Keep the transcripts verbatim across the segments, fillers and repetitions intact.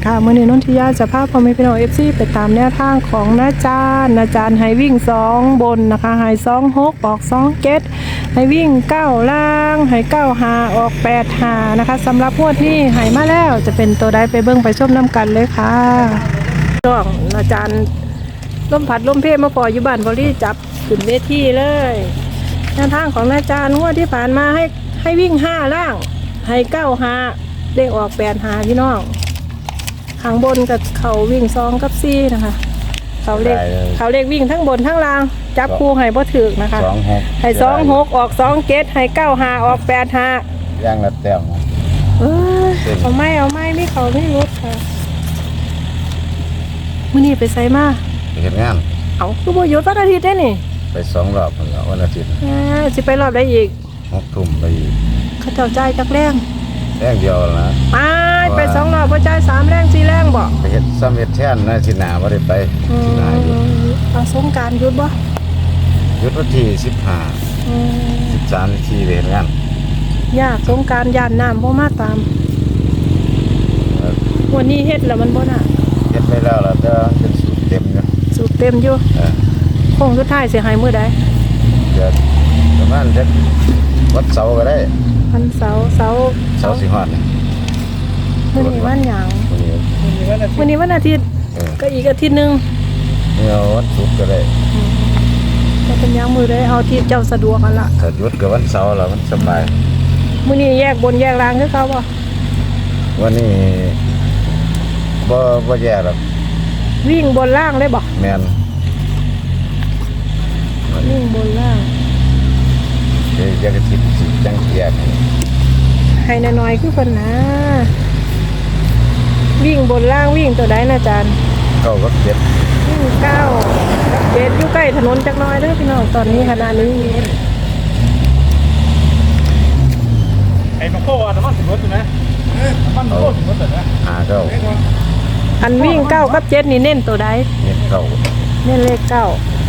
ค่ะมื้อนี้นนทิยาจะพาพ่อแม่พี่น้อง เอฟ ซี ไปตามแนวทางของนาจารย์นาจารย์ให้วิ่งสองบนนะคะให้สองหกออกสองเจ็ดให้วิ่งเก้าล่างให้เก้าหาออกแปดหานะคะสำหรับงวดนี้ให้มาแล้วจะเป็นตัวใดไปเบิ่งไปชมน้ำกันเลยค่ะช่วงอาจารย์ล่มผัดล่มเพมาพออยู่บ้านบริจับขึ้นเวทีเลยแนวทางของอาจารย์งวดที่ผ่านมาให้ให้วิ่งห้าล่างให้เก้าหาเลขออกแปดหาพี่น้องข้างบนกับเขาวิ่งสองกับสี่นะคะเขาเลขเขาเลขวิ่งทั้งบนทั้งล่างจับคู่ให้บ่ถึกนะคะสองหกให้สองหกออกสองเกตให้เก้าหาออกแปดหาย่างละแต้มนะเออเอาไม่เอาไม่ไม่เขาไม่รุดค่ะมื้อนี้ไปไสมาไปเห็นงานเอาคือบ่หยุดวันอาทิตย์ได้นี่ไปสองรอบแล้ววันอาทิตย์อ่าสิไปรอบได้อีกหกทุ่มไปอีกเขาเจ้าจ่ายจักแรงแรงเดียวนะไปไปสองรอบบ่จ่ายสามแรงสี่แรงบ่ไปเฮ็ดซ้ำเฮ็ดแท่นนะสิหน้าบ่ได้ไปสิหน้าอยู่เอาสงกรานต์หยุดบ่หยุดวันที่สิบห้าอืมสิบสาม สิบสี่ไปเฮ็ดงานยากสงกรานต์ย่านน้ำบ่มาตามวันนี้เฮ็ดแล้วมันบ่น่ะเฮ็ดไปแล้วล่ะแต่เป็นสูตรเต็มอยู่สูตรเต็มอยู่เออคงสุดท้ายสิให้มื้อใดเดี๋ยวประมาณจักวันเสาร์ก็ได้วันเสาร์เสาร์เสาร์สิฮอดมื้อนี้วันหยังมื้อนี้วันอาทิตย์ก็อีกอาทิตย์นึงเนี่ยวันศุกร์ก็ได้ก็เป็นหยังมื้อใดเอาที่เจ้าสะดวกกันล่ะถ้าหยุดก็วันเสาร์ล่ะมันสบายมื้อนี้แยกบนแยกล่างคือเขาบ่วันนี้บ่บ่แย่หรอกวิ่งบนล่างได้บ่แม่นวิ่งบนล่างเดี๋ยวจะคิดสิจังเกียร์ให้น้อยๆคือเพิ่นนะวิ่งบนล่างวิ่งตัวใดนะอาจารย์เก้ากับเจ็ดวิ่งเก้ากับเจ็ดอยู่ใกล้ถนนจักหน่อยเด้อพี่น้องตอนนี้ขณะนี้ไอ้มันโค้น้ำมันถึงรถอยู่นะน้ำมันโค้ถึงรถเลยนะหาเก้าอันวิ่งเก้ากับเจ็ดนี่เน้นตัวใดเน้นเก้าเน้นเลขเก้า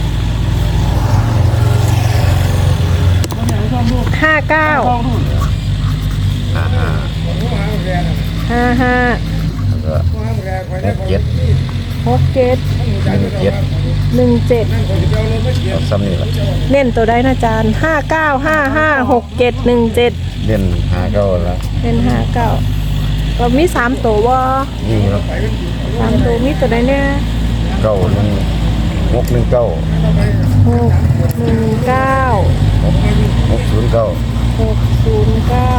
ห้าเก้าห้าห้าห้าห้าแล้วก็หกเจ็ดหกเจ็ดหนึ่งเจ็ดหนึ่งเจ็ดเอาซ้ำนี่ละเน้นตัวใดนะอาจารย์ห้าเก้าห้าห้าหกเจ็ดหนึ่งเจ็ดเน้นหาเก้าแล้วเน้นห้าเก้าเรามีสามตัวว่านี่ครับสามตัวมีตัวใดเนี่ยเก้าหนึ่งหกหนึ่งเก้าหกหนึ่งเก้าหกศูนย์เก้าหกศูนย์เก้า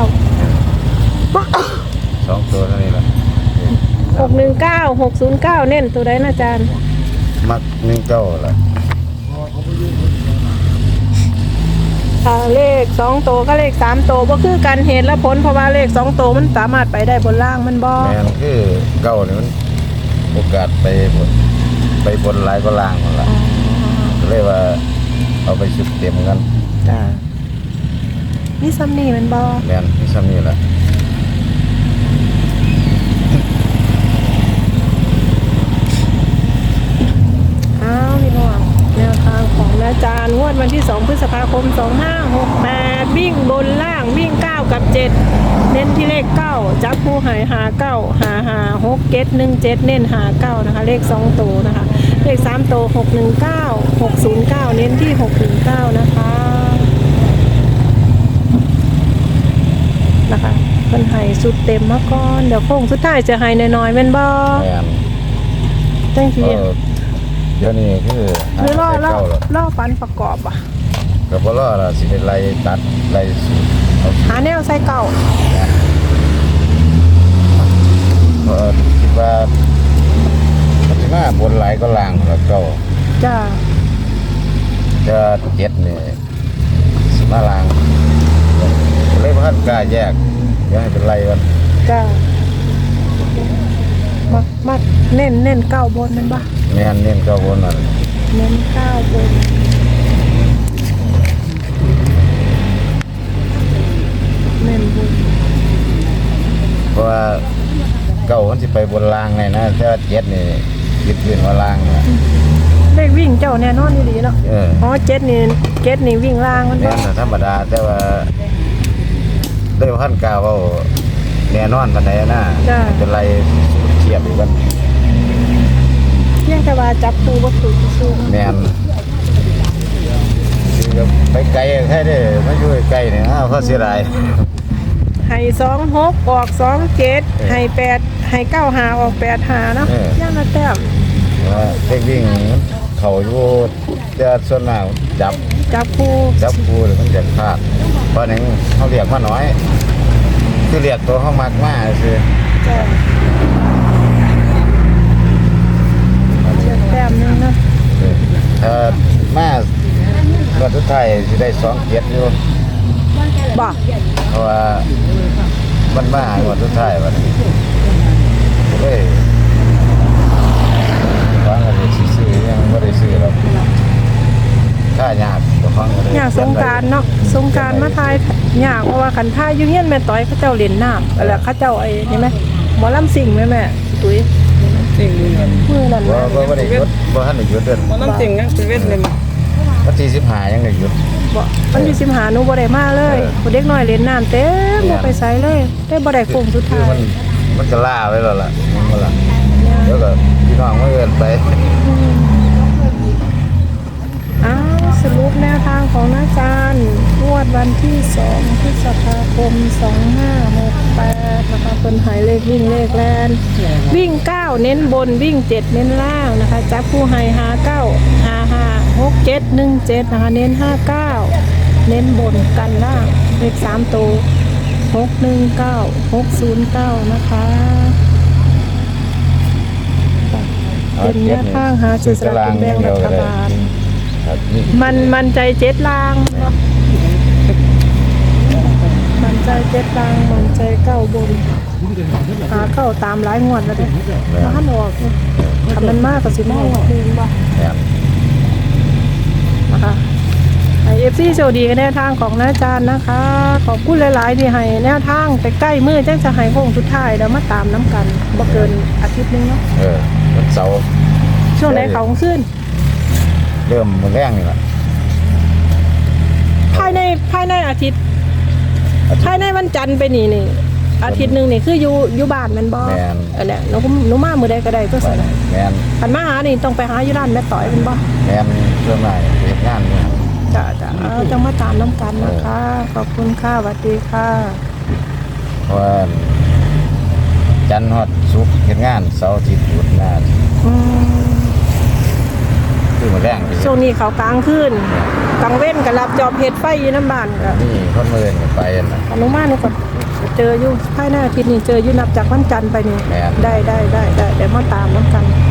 สองตัวเท่านี้ละหกหนึ่งเก้าหกศูนย์เก้าเน้นตัวใดนะอาจารย์มักหนึ่งเก้าละถ้าเลขสองตัวก็เลขสามตัวก็คือการเหตุและผลเพราะว่าเลขสองตัวมันสามารถไปได้บนล่างมันบ่แม่นคือเก้าเนี่ยมันโอกาสไปบนไปบนหลายก็ล่างหมดละเรียกว่าเอาไปชุดเต็มกันจ้านี่ซัมนี่มันบ่แม่นนี่ซ้ำนี่แหละอ้าวพี่น้องแนวทางของอาจารย์งวดวันที่สองพฤษภาคมสองห้าหกแปดวิ่งบนล่างวิ่งเก้ากับเจ็ดเน้นที่เลขเก้าจับคู่หายหาเก้าหาหาหกเจ็ดหนึ่งเจ็ดเน้นหาเก้านะคะเลขสองตัวนะคะเลขสามตัวหกหนึ่งเก้าหกศูนย์เก้าเน้นที่หกหนึ่งเก้านะคะนะคะเป็นไห้สุดเต็มมาก่อนเดี๋ยวโค้งสุดท้ายจะไห้น้อยๆเป็นบ่แม่นจังทีเดี๋ยวนี้คือหรือล่อล่อล่อปันประกอบอ่ะกับล่อละสิเป็นไรตัดไรสูตรหาแนวใส่เก่าเพราะคิดว่าปัจจุบันบนไหลก็ล่างแล้วก็จ้าจะเจ็ดนี่สมาล่างเลยพัดกล้าแยกยังให้เป็นไรกันจ้ามักมักเน้นเน้นเก้าบนมันบ้าแม่นเน้นเก้าบนนั่นเน้นเก้าบนเน้นบนเพราะว่าเก้ามันสิไปบนล่างไงนะแต่ว่าเจ็ดนี่ยึดยืนว่าล่างนะเลขวิ่งเจ้าแน่นอนดีเนาะอ๋อเจ็ดนี่เจ็ดนี่วิ่งล่างมันบ้าธรรมดาแต่ว่าได้พันกาว่าแน่นอนปันไหนนะเป็นไรเทียบกันว่าจับปูบ่ถูกซื่อๆแม่นคือก็ไปไกลแท้เด้มาอยู่ใกล้นี่อ้าวเขาเสียดายให้สองหกออกสองเจ็ดให้แปดให้เก้าหาออกแปดหาเนาะย่างละแต้มว่าเด็กวิ่งเขาอยู่จะส่วนมากจับจับปูจับกูหรือมันจะพลาดเพราะนั้นเขาเรียกมาน้อย คือเรียกตัวเขามากมากคือจ้ะแต้มหนึงเนาะถ้ามาเมื่อสุดท้ายสิได้สองเกียรติอยู่บ่เพราะว่ามันมาเมื่อสุดท้ายวันนี้เลยฟังอะไรซื้อยังไม่ได้ซื้อหรอกถ้ายากก็ฟังอะไรอยากสงกรารเนาะสงกรารมาทายยากเพราะว่าคันท่าอยู่เฮียนแม่ต้อยเขาเจ้าเล่นน้ำแล้วเขาเจ้าไอ้นี่ไหมหมอลำสิ่งไหมแม่ตุ้ยสิ่งนี้ครับมือนั่นว่านะว่าไม่ได้หยุดว่าท่านได้หยุดเดือนมันน้ำสิ่งนั้นเป็นเวทเลยมั้ยวันที่สิบห้ายังได้หยุดบ่มันอยู่สิมหาหนูบ่ได้มาเลยเออผู้เด็กน้อยเล่นน้ำเต็มบ่ไปไสเลยได้บ่ได้โค้งสุดคือท้ายมันมันก็ล่าไว้แล้วล่ะมันก็ล่ะแล้วก็พี่น้องมาเอินไปอ้าวสรุปแนวทางของอาจารย์งวดวันที่สองพฤษภาคมสองห้าหกแปดนะคะเพิ่นหายเลขวิ่งเลขแลนวิ่งเก้าเน้นบนวิ่งเจ็ดเน้นล่างนะคะจับผู้ให้หาเก้าหาห้าหกเจ็ดหนึ่งเจ็ดนะคะเน้นห้าเก้าเน้นบนกันล่างเลขสามตัวหกหนึ่งเก้าหกศูนย์เก้านะคะเป็นแนวทางหาจุดสลากกินแบ่งรัฐบาลครับนี่มันมันใจเจ็ดลางเนาะมันใจเจ็ดลางมันใจเก้าบนหาเก้าตามหลายงวดแล้วเด้ถ้าหันออกเนี่ยทำมันมากก็สิมาออกเองบ่แม่นนะคะให้เอฟซีโชคดีกันแนวทางของน้าจารย์นะคะ ขอบคุณหลายๆที่ให้แนวทางใกล้ๆมือจังจะให้โค้งสุดท้ายเดี๋ยวมาตามน้ำกันบ่เกินอาทิตย์หนึงเนาะเออวันเสาร์ช่วงไหนเขาขึ้นเริ่มมื้อแรงนี่ล่ะภายในภายในอาทิตย์ภายในวันจันทร์ไปนี่นี่อาทิตย์หนึ่งนี่คืออยู่อยู่บ้านแมันบ่แม่นอันเนี้ยหนูก็หนูมามื้อใดก็ได้ตัวไปสั่นน่ะแม่นคันมาหานี่ต้องไปหาอยู่ร้านแม่ต่อยแมันบ่แม่นเพื่อนนายเฮ็ดงานเนี่ยจ้ะจ้ะเอาจังมาตามน้ำกันนะคะ ขอบคุณค่ะสวัสดีค่ะเพราะว่าจันทร์ฮอดศุกร์เฮ็ดงานเสาร์อาทิตย์หยุดงานอืมคือมื้อแรงไปช่วงนี้เขากลางคืนกลางเว้นก็รับจอบเฮ็ดไฟอยู่น้ำบ้านก็นี่คนมื้ออื่นก็ไปนั่นน่ะอนุมานี่ก็เจออยู่ภายในอาทิตย์นี้เจออยู่นับจากวันจันทร์ไปนี่แม่นได้ได้ได้ได้เดี๋ยวมาตามน้ำกัน